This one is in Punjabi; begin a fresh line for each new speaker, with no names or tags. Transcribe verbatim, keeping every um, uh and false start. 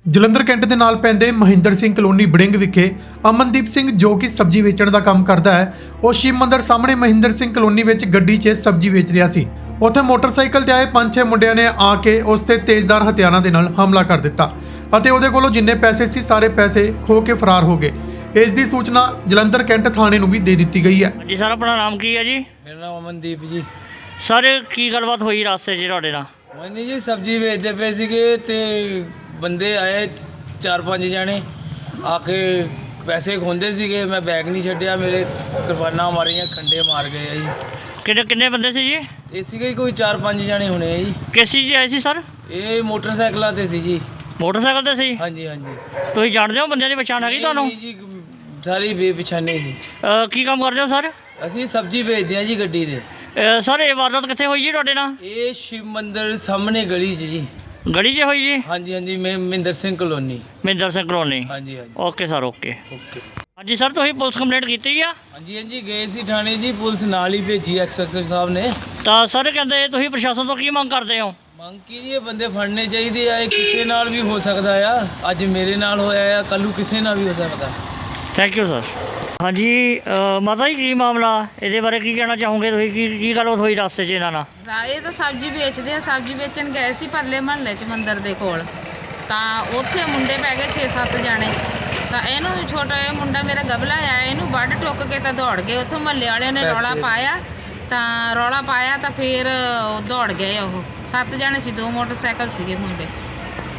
ਜਲੰਧਰ ਕੈਂਟ ਦੇ ਨਾਲ ਪੈਂਦੇ ਮਹਿੰਦਰ ਸਿੰਘ ਕਲੋਨੀ ਬੜਿੰਗ ਵਿਖੇ ਅਮਨਦੀਪ ਸਿੰਘ ਜੋ ਕਿ ਸਬਜ਼ੀ ਵੇਚਣ ਦਾ ਕੰਮ ਕਰਦਾ ਹੈ, ਉਹ ਸ਼ਿਵ ਮੰਦਰ ਸਾਹਮਣੇ ਮਹਿੰਦਰ ਸਿੰਘ ਕਲੋਨੀ ਵਿੱਚ ਗੱਡੀ 'ਚ ਸਬਜ਼ੀ ਵੇਚ ਰਿਹਾ ਸੀ। ਉੱਥੇ ਮੋਟਰਸਾਈਕਲ ਤੇ ਆਏ ਪੰਜ ਛੇ ਮੁੰਡਿਆਂ ਨੇ ਆ ਕੇ ਉਸ ਤੇ ਤੇਜ਼ਧਾਰ ਹਥਿਆਰਾਂ ਦੇ ਨਾਲ ਹਮਲਾ ਕਰ ਦਿੱਤਾ ਅਤੇ ਉਹਦੇ ਕੋਲੋਂ ਜਿੰਨੇ ਪੈਸੇ ਸੀ ਸਾਰੇ ਪੈਸੇ ਖੋ ਕੇ ਫਰਾਰ ਹੋ ਗਏ। ਇਸ ਦੀ ਸੂਚਨਾ ਜਲੰਧਰ ਕੈਂਟ ਥਾਣੇ ਨੂੰ ਵੀ ਦੇ ਦਿੱਤੀ ਗਈ ਹੈ।
ਜੀ ਸਰ, ਆਪਣਾ ਨਾਮ ਕੀ ਹੈ ਜੀ?
ਮੇਰਾ ਨਾਮ ਅਮਨਦੀਪ ਜੀ।
ਸਰ, ਕੀ ਗੱਲਬਾਤ ਹੋਈ ਰਸਤੇ 'ਚ ਤੁਹਾਡੇ ਨਾਲ?
ਮੈਨੇ ਜੀ ਸਬਜ਼ੀ ਵੇਚਦੇ ਪਏ ਸੀਗੇ ਤੇ ਬੰਦੇ ਆਏ ਚਾਰ ਪੰਜ ਜਣੇ ਆ ਕੇ ਪੈਸੇ ਖੋਂਦੇ ਸੀਗੇ। ਮੈਂ ਬੈਗ ਨਹੀਂ ਛੱਡਿਆ, ਮੇਰੇ ਕਿਰਪਾਨਾਂ ਮਾਰੀਆਂ, ਖੰਡੇ ਮਾਰ ਗਏ ਆ ਜੀ।
ਕਿੰਨੇ ਕਿੰਨੇ ਬੰਦੇ ਸੀ ਜੀ?
ਇਹ ਸੀਗੇ ਕੋਈ ਚਾਰ ਪੰਜ ਜਣੇ ਹੋਣੇ ਆ ਜੀ।
ਕਿਸ ਚੀਜ਼ 'ਚ ਆਏ ਸੀ ਸਰ?
ਇਹ ਮੋਟਰਸਾਈਕਲਾਂ ਤੇ ਸੀ ਜੀ।
ਮੋਟਰਸਾਈਕਲ ਤੇ ਸੀ?
ਹਾਂਜੀ ਹਾਂਜੀ।
ਤੁਸੀਂ ਜਾਣਦੇ ਹੋ ਬੰਦਿਆਂ ਦੀ ਪਛਾਣ ਹੈਗੀ ਤੁਹਾਨੂੰ?
ਨਹੀਂ ਜੀ, ਸਾਰੀ ਬੇਪਛਾਣੇ ਸੀ।
ਅਹ, ਕੀ ਕੰਮ ਕਰਦੇ ਹੋ ਸਰ?
ਅਸੀਂ ਸਬਜ਼ੀ ਵੇਚਦੇ ਹਾਂ ਜੀ ਗੱਡੀ ਦੇ।
ਅਹ, ਸਰ, ਇਹ ਵਾਰਦਾਤ ਕਿੱਥੇ ਹੋਈ ਜੀ ਤੁਹਾਡੇ ਨਾਲ?
ਇਹ ਸ਼ਿਵ ਮੰਦਰ ਸਾਹਮਣੇ ਗਲੀ 'ਚ ਜੀ।
ਗਲੀ 'ਚ ਹੋਈ ਜੀ?
ਹਾਂਜੀ ਹਾਂਜੀ, ਮੈਂ ਮਹਿੰਦਰ ਸਿੰਘ ਕਲੋਨੀ।
ਮਹਿੰਦਰ ਸਿੰਘ ਕਲੋਨੀ।
ਹਾਂਜੀ ਹਾਂਜੀ।
Okay sir, okay
okay.
ਹਾਂਜੀ ਸਰ, ਤੁਸੀਂ ਪੁਲਿਸ ਕੰਪਲੇਂਟ ਕੀਤੀ ਆ?
ਹਾਂਜੀ ਹਾਂਜੀ, ਗਏ ਸੀ ਥਾਣੇ ਜੀ, ਪੁਲਿਸ ਨਾਲ ਹੀ ਭੇਜੀ ਐਕਸਐਸਓ ਸਾਹਿਬ ਨੇ।
ਤਾਂ ਸਰ ਕਹਿੰਦੇ ਤੁਸੀਂ ਪ੍ਰਸ਼ਾਸਨ ਤੋਂ ਕੀ ਮੰਗ ਕਰਦੇ ਹੋ?
ਮੰਗ ਕੀ ਜੀ, ਇਹ ਬੰਦੇ ਫੜਨੇ ਚਾਹੀਦੇ ਆ। ਇਹ ਕਿਸੇ ਨਾਲ ਵੀ ਹੋ ਸਕਦਾ ਆ, ਅੱਜ ਮੇਰੇ ਨਾਲ ਹੋਇਆ ਆ, ਕੱਲ੍ਹ ਨੂੰ ਕਿਸੇ ਨਾਲ ਵੀ ਹੋ ਸਕਦਾ।
Thank you sir. ਹਾਂਜੀ ਅਹ, ਮਾਤਾ ਜੀ, ਕੀ ਮਾਮਲਾ ਇਹਦੇ ਬਾਰੇ ਕੀ ਕਹਿਣਾ ਚਾਹੋਗੇ ਤੁਸੀਂ? ਕੀ ਕੀ ਗੱਲਬਾਤ ਹੋਈ ਰਸਤੇ 'ਚ ਇਹਨਾਂ ਨਾਲ?
ਰਾ- ਇਹ ਤਾਂ ਸਬਜ਼ੀ ਵੇਚਦੇ ਆ। ਸਬਜ਼ੀ ਵੇਚਣ ਗਏ ਸੀ ਪਰਲੇ ਮਹੱਲੇ 'ਚ ਮੰਦਿਰ ਦੇ ਕੋਲ, ਤਾਂ ਉੱਥੇ ਮੁੰਡੇ ਪੈ ਗਏ ਛੇ ਸੱਤ ਜਾਣੇ। ਤਾਂ ਇਹਨੂੰ ਛੋਟਾ ਇਹ ਮੁੰਡਾ ਮੇਰਾ ਗਬਲਾ ਆ, ਇਹਨੂੰ ਵੱਢ ਟੁੱਕ ਕੇ ਤਾਂ ਦੌੜ ਗਏ। ਉੱਥੋਂ ਮਹੱਲੇ ਵਾਲਿਆਂ ਨੇ ਰੌਲਾ ਪਾਇਆ, ਤਾਂ ਰੌਲਾ ਪਾਇਆ ਤਾਂ ਫਿਰ ਉਹ ਦੌੜ ਗਏ। ਉਹ ਸੱਤ ਜਾਣੇ ਸੀ, ਦੋ ਮੋਟਰਸਾਈਕਲ ਸੀਗੇ ਮੁੰਡੇ।